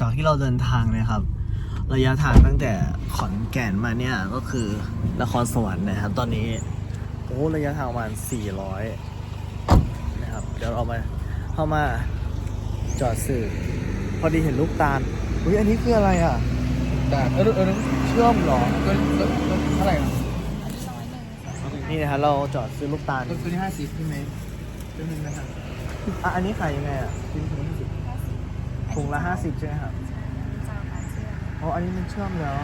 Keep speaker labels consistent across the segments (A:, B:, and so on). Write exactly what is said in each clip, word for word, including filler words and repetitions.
A: จากที่เราเดินทางนะครับ ระยะทางตั้งแต่ขอนแก่นมาเนี่ยก็คือนครสวรรค์นะครับ ตอนนี้โอ้ระยะทางประมาณสี่ร้อยนะครับเดี๋ยวเรามาเข้ามาจอดสื่อพอดีเห็นลูกตาลอุ้ยอันนี้คืออะไรอ่ะ
B: แต่เออเออ
A: เชื่อมเหรอ
B: ตัวตัวตัวเท่าไหร่นะ
A: นี่นะครับเราจอดซื้อลูกตาล
B: ตัวตัวนี้ห้าสิบใช่ไหมตัวนึงนะครับ
A: อ่ะอันนี้ขายยังไงอ่ะชิ้นถุงละห้าสิบถุงละห้าสิบใช่ไหมครับอ๋ออันนี้มันเชื่อมแล้ว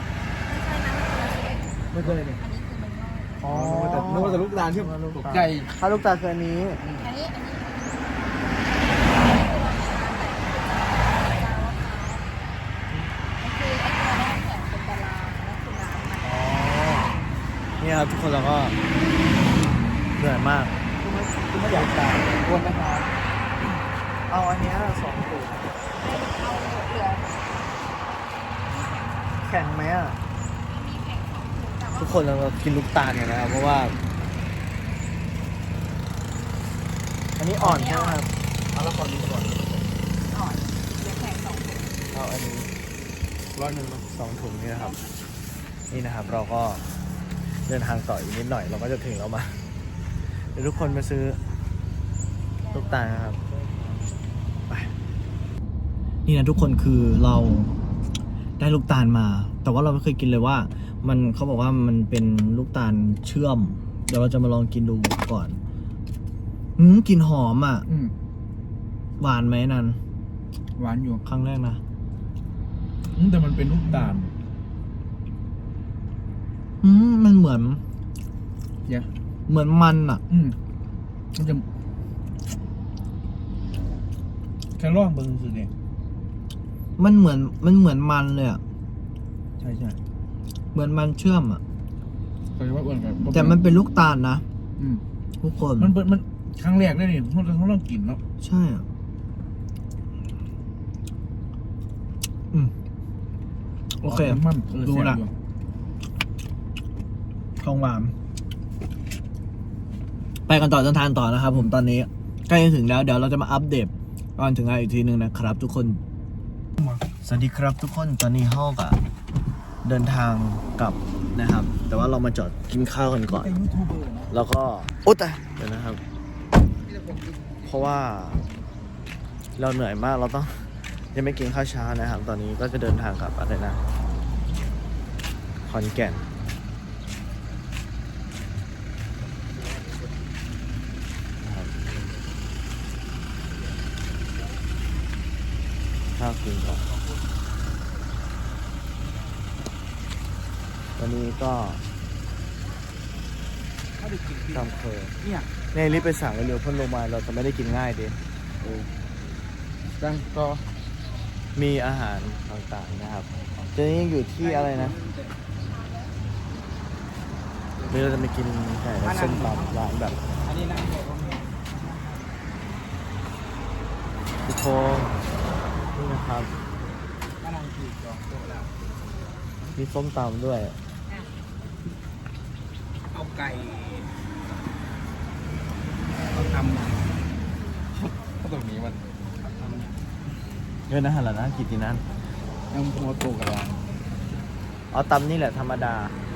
B: ไม่ตัวอะไรเนี่ย
A: อ๋อ
B: นึกว่าจะลูกตาลที่ตกใจ
A: ถ้าลูกตาลคืออันนี้
C: อันนี้อันนี้คือไอ้ตัวแรกแข็งเป็นตารางแล้วคือน้ำมัน
A: อ๋อเนี่ยครับทุกคนเราก็เหนื่อยมาก
B: คุณไม่อยากตายควรนะครับ
A: เอาอันเนี้ยสองถุง
C: ให้เอาเหลือ
A: แข็งไหมอ่ะ
C: มีแข็งสองถุงแต่ว่า
A: ทุกคนเราก็กินลูกตาลกันนะครับเพราะว่า อันนี้อ่อนใช่ไหมครับ
B: เอาละครดูก่อน
C: อ่อนเหลือแข็งสองถุง
A: เอาอันนี้
B: ร้อยหนึ่ง
A: สองถุงนี่นะครับ นี่นะครับ เราก็เดินทางต่ออีกนิดหน่อยเราก็จะถึงแล้วมาเดี๋ยวทุกคนมาซื้อลูกตาลนะครับไปนี่นะทุกคนคือเราได้ลูกตาลมา แต่ว่าเราไม่เคยกินเลยว่า มันเขาบอกว่ามันเป็นลูกตาลเชื่อม เดี๋ยวเราจะมาลองกินดูก่อนอืมกลิ่นหอมอ่ะ
B: อืม
A: หวานไหมนัน
B: หวานอยู่
A: ครั้งแรกนะ
B: อืมแต่มันเป็นลูกตาล
A: อืมมันเหมือน
B: เยอะ
A: เหมือนมันอ่ะ
B: อืมมันจะแค่ร่องเบิ้งคือเนี่ย
A: มันเหมือนมันเหมือนมันเลยอ่ะ
B: ใช่ใช่
A: เหมือนมันเชื่อมอ่ะ
B: แต่ว่าอ้วนกับ
A: แต่มันเป็นลูกตาลนะ
B: อืม
A: ทุกคน
B: มันเป็นมันครั้งแรกได้นี่เขาเขาต้องกินเนาะ
A: ใช่อ่ะอืมโอเค
B: มัน
A: ดูละของหวานไปกันต่อเดินทางต่อนะครับผมตอนนี้ใกล้จะถึงแล้วเดี๋ยวเราจะมาอัปเดตตอนถึงงานอีกทีหนึ่งนะครับ ทุกคนสวัสดีครับทุกคนตอนนี้ห้องอะเดินทางกลับนะครับ แต่ว่าเรามาจอดกินข้าวกันก่อน
B: เป็นยูทูบเบอร์นะ
A: แล้วก็โอ๊ยตายเดี๋ยวนะครับ เพราะว่าเราเหนื่อยมากเราต้องยังไม่กินข้าวเช้านะครับ ตอนนี้ก็จะเดินทางกลับอะไรนะขอนแก่นนะครับข้าวกินก่อนวันนี้ก็
B: เขาได้กิน
A: ตำเคย
B: เนี่ย
A: ในรีบไปสั่งเร็วๆเพื่อนลงมาเราจะไม่ได้กินง่ายดิ
B: ดังก็
A: มีอาหารต่างๆนะครับตอนนี้ยังอยู่ที่อะไรนะนี่เราจะไปกินไก่และส้มตำร้านแบบ
B: อันนี้นั่งเลยก็มี
A: ทุกคนนี่นะครับ
B: ก็นั่งขี่จองโต๊ะแล้ว
A: มีส้มตำด้วย
B: เอาไก่เอาทำก็ตรงนี้มันทำ
A: เยอะนะฮะหล่ะนะกี่ทีนั้น
B: ยังหัวโตกันแล้ว
A: เอาตำนี่แหละธรรมดา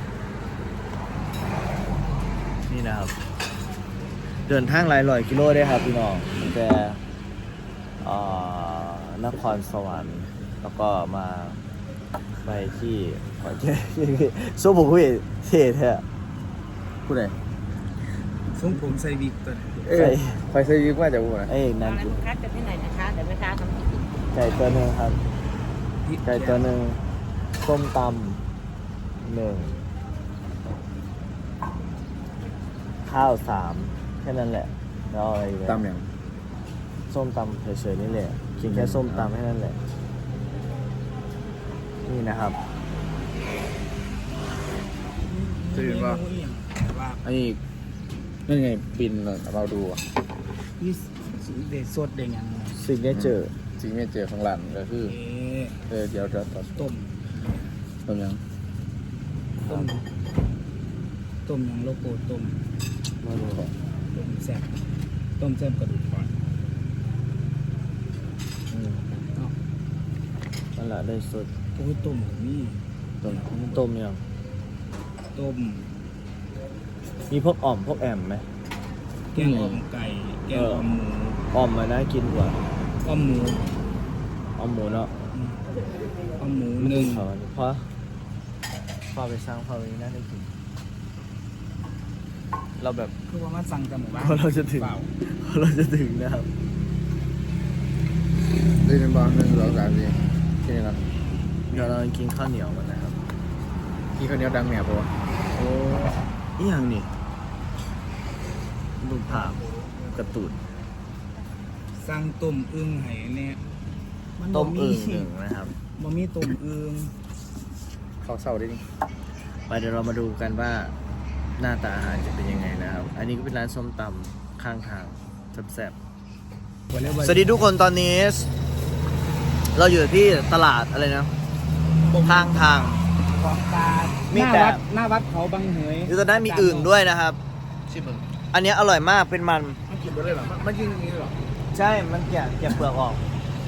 A: นี่นะครับ เดินทางหลายร้อยกิโลได้ครับพี่น้องตั้งแต่เอ่อนครสวรรค์แล้วก็มาไปที่ขอนแก่นสู้ผมคุยเท่แท้
B: ผู้ใดส่งผมใส่วิกตัว
A: ใส่
B: ไฟใส่วิกว่าจะบูนะ
A: เอ้ยนั่น
C: ร้าน
A: คือ
C: คัดจะที่ไหนนะคะเดี๋ยวแม่ค้าทำให้กิน
A: ไก่ตัวหนึ่งครับ ไก่ตัวหนึ่งส้มตำหนึ่งข้าวสามแค่นั้นแหละแล้วเอาอะไรอีกไหม
B: ตามอย่าง
A: ส้มตำเฉยๆนี่แหละกินแค่ส้มตำแค่นั้นแหละ นี่นะครับ
B: จะเห็นว่าไอ้นั่นไงบินเราดูอ่ะ
D: นี่เด็ดสดเด็ดยัง
A: สิ่งได้เจอ
B: จริงไม่เจอข้างหลังก็คือ
D: เอ๊ะ
B: เออเดี๋ยวจะต่อ
D: ต้ม
B: ต้มยัง
D: ต้มต้มยังโลโก้ต้ม
A: มาดูก่อน
D: ต้มแซ่บต้มแซ่บกระดูกอ่อน
A: อืม
D: เนาะ
A: นแหละได้สุด
D: โอ้ยต้มก็มี
A: ต้มต้มยัง
D: ต้ม
A: มีพวกอ่อมพวกแอมไหม
D: แกงอ่อมไก่แกงอ่อมหมู
A: อ่อมมาน่ากินกว่า
D: อ่อมหมู
A: อ่อมหมูเนาะ
D: อืมอ่อมหมูหนึ่ง
A: เพราะเพราะพอไปสร้างพอไปน่าได้กิน เราแบบ
D: คือว่ามาสั่งจากหมู่บ้าน
A: เพราะเราจะถึง
D: เปล่า
A: เพราะเราจะถึงนะครับ
B: ได้เป็นบ้างหนึ่งสองสามสี่ที่นี่ครับ
A: เดี๋ยวเรากินข้าวเหนียวกันนะครับ
B: ที่เขาวเหนี้ยวดังเนี่ยปะวะ
A: โอ้อีหยังนี่รูปภาพกระตุน
D: สั่งต้มอึ่งให้เนี่ยน
A: ต้มอึ่ง
D: บ่
A: หนึ่งนะครับ
D: บ่มีต้มอึ่ง
B: เขาเศร้าได้นี่
A: ไปเดี๋ยวเรามาดูกันว่าหน้าตาอาหารจะเป็นยังไงนะครับ อันนี้ก็เป็นร้านส้มตำข้างทางแซ่บๆสวัสดีทุกคนตอนนี้ เราอยู่ที่ตลาดอะไรนะข้างทาง
D: ของตา
A: มี
D: หน้า
A: แต่
D: วัดหน้าวัดเขาบางเหย
A: อยู่ตอนนั้นมีอึ่งด้วยนะครับ
B: ชิมมึง
A: อันนี้อร่อยมากเป็นมัน
B: มันกินไปเลยเหรอมันมันยิงอย่างนี้เหรอ
A: ใช่ มันแกะแกะเปลือกออก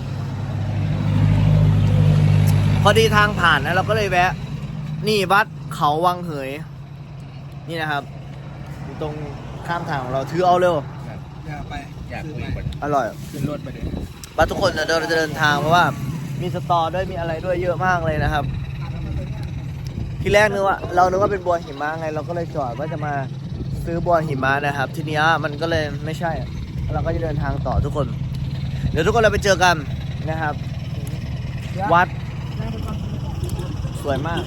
A: พอดีทางผ่านนะเราก็เลยแวะ นี่วัดเขาวังเหย นี่นะครับอยู่ตรงข้ามทางของเราถือเอาเร็ว
D: อย่าไป
B: อยาก
D: ซื้
B: คุย
D: ไป
B: กัน
A: อร่อย
D: ขึ้นรถไปเลย
A: ว่าทุกคนเดินจะเดินทางเพราะว่ามีสตอด้วยมีอะไรด้วยเยอะมากเลยนะครับ ทีแรกนึกว่าเรานึกว่าเป็นบัวหิมะไง เราก็เลยจอดว่าจะมาซื้อบัวหิมะนะครับ ทีเนี้ยมันก็เลยไม่ใช่ เราก็จะเดินทางต่อทุกคน เดี๋ยวทุกคนเราไปเจอกันนะครับ วัดสวยมาก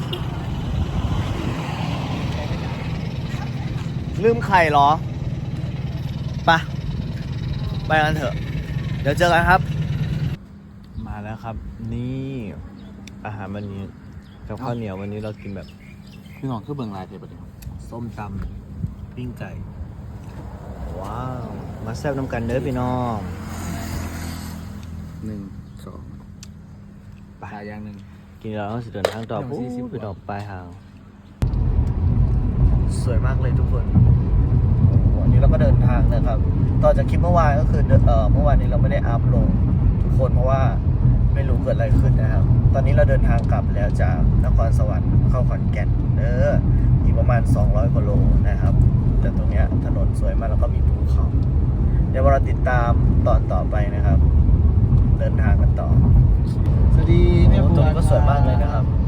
A: ลืมไข่เหรอไปไปกันเถอะ เดี๋ยวเจอกันครับ มาแล้วครับ นี่อาหารวันนี้กับข้าวเหนียววันนี้เรากินแบบ
B: พี่น้องคือเบิ่งลายเทปะเนี่ย
A: ส้มตำปิ้งไก่ ว้าว มาแซ่บน้ำกันเด้อพี่น้อง
B: หนึ่งสองปลาอย่างหนึ่ง
A: กินแล้วเราจะเดินทางต่อ
B: เดี๋ยว
A: ปุ๊
B: สี่สิบบ
A: ไปดอกปลายทาง สวยมากเลยทุกคน วันนี้เราก็เดินทางนะครับ ต่อจากคลิปเมื่อวานก็คือเอ่อเมื่อวานนี้เราไม่ได้อัพลงทุกคนเพราะว่าไม่รู้เกิดอะไรขึ้นนะครับ ตอนนี้เราเดินทางกลับแล้วจากนครสวรรค์เข้าขอนแก่นเอออีกประมาณสองร้อยกว่าโลนะครับ แต่ตรงเนี้ยถนนสวยมากแล้วก็มีภูเขา เดี๋ยวเราติดตามตอนต่อไปนะครับ เดินทางกันต่อ
B: สวัสดีแม่
A: โอ้
B: บัว
A: ตรงนี้ก็สวยมากเลยนะครับ